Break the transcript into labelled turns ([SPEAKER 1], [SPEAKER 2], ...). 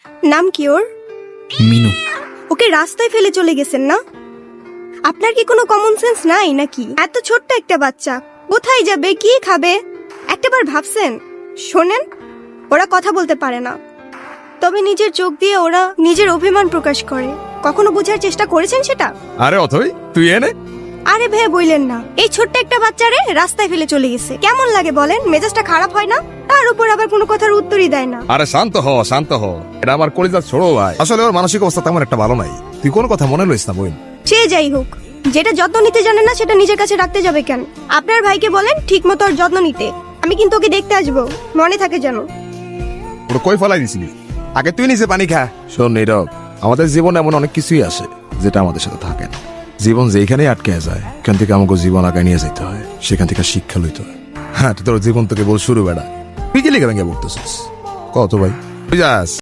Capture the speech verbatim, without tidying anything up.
[SPEAKER 1] নাম কি ওর?
[SPEAKER 2] মিনু।
[SPEAKER 1] ওকে রাস্তায় ফেলে চলে গেছেন না? আপনার কি কোনো কমন সেন্স নাই নাকি? এত ছোট্ট একটা বাচ্চা কোথায় যাবে, কি খাবে, একটাবার ভাবছেন? শোনেন, ওরা কথা বলতে পারে না, তবে নিজের চোখ দিয়ে ওরা নিজের অভিমান প্রকাশ করে। কখনো বোঝার চেষ্টা করেছেন সেটা?
[SPEAKER 3] আরে অথই, তুই এনে।
[SPEAKER 1] আরে ভাই বইলেন না, এই ছোট্ট একটা বাচ্চারে রাস্তায় ফেলে চলে গেছে, কেমন লাগে বলেন? মেজাজটা খারাপ হয় না? তার উপর আবার কোনো কথার উত্তরই দেয় না।
[SPEAKER 3] আরে শান্ত হ, শান্ত হ। এটা আমার কলিজার ছোড়ো ভাই। আসলে ওর মানসিক অবস্থা তেমন একটা ভালো নাই। তুই কোন কথা মনে লইস না বোন।
[SPEAKER 1] সে যাই হোক, যেটা যত্ন নিতে জানে না সেটা নিজের কাছে রাখতে যাবে কেন? আপনার ভাইকে বলেন ঠিক মতো ওর যত্ন নিতে। আমি কিন্তু ওকে দেখতে আসবো, মনে থাকে যেন।
[SPEAKER 3] ওটা কই ফেলাই দিছিলি? আগে তুই নিচে পানি খা। শোন নীরব, আমাদের জীবনে এমন অনেক কিছুই আসে যেটা আমাদের সাথে থাকে না। জীবন যেখানেই আটকে যায়, এখান থেকে আমাকে জীবন আগায় নিয়ে যেতে হয়, সেখান থেকে শিক্ষা লইতে হয়। হ্যাঁ, তোর জীবন তোকে বল শুরু বেড়া। তুই কি লিখে ভেঙে পড়তেছিস? কত ভাই তুই যাস?